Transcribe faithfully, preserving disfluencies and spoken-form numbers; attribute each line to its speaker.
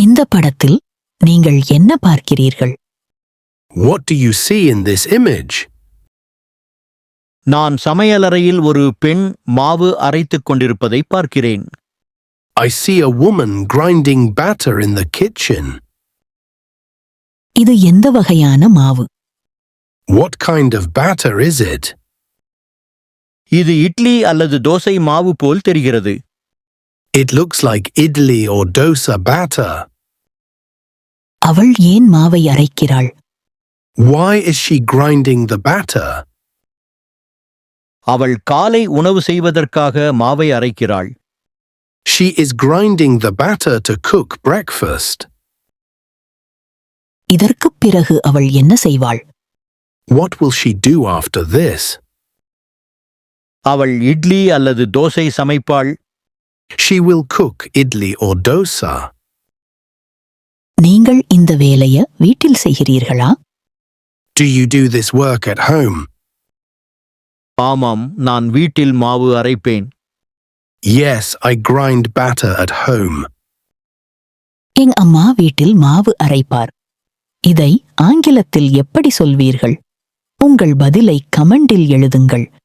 Speaker 1: இந்த படத்தில் நீங்கள் என்ன பார்க்கிறீர்கள்?
Speaker 2: What do you see in this image?
Speaker 3: நான் சமையலறையில் ஒரு பெண் மாவு அரைத்துக் கொண்டிருப்பதை பார்க்கிறேன்.
Speaker 2: I see a woman grinding batter in the kitchen.
Speaker 1: இது எந்த வகையான மாவு?
Speaker 2: What kind of batter is it?
Speaker 3: இது இட்லி அல்லது தோசை மாவு போல் தெரிகிறது.
Speaker 2: It looks like idli or dosa batter.
Speaker 1: அவள் ஏன் மாவை அரைக்கிறாள்?
Speaker 2: Why is she grinding the batter?
Speaker 3: அவள் காலை உணவு செய்வதற்காக மாவை அரைக்கிறாள்.
Speaker 2: She is grinding the batter to cook breakfast.
Speaker 1: இதற்குப் பிறகு அவள் என்ன செய்வாள்?
Speaker 2: What will she do after this?
Speaker 3: அவள் இட்லி அல்லது dosa சமைப்பாள்.
Speaker 2: She will cook idli or dosa.
Speaker 1: நீங்கள் இந்த வேலைய வீட்டில் செய்கிறீர்களா?
Speaker 2: Do you do this work at home?
Speaker 3: ஆமாம், நான் வீட்டில் மாவு அரைப்பேன்.
Speaker 2: Yes, I grind batter at home.
Speaker 1: என் அம்மா வீட்டில் மாவு அரைப்பார். இதை ஆங்கிலத்தில் எப்படி சொல்வீர்கள்? உங்கள் பதிலை கமெண்டில் எழுதுங்கள்.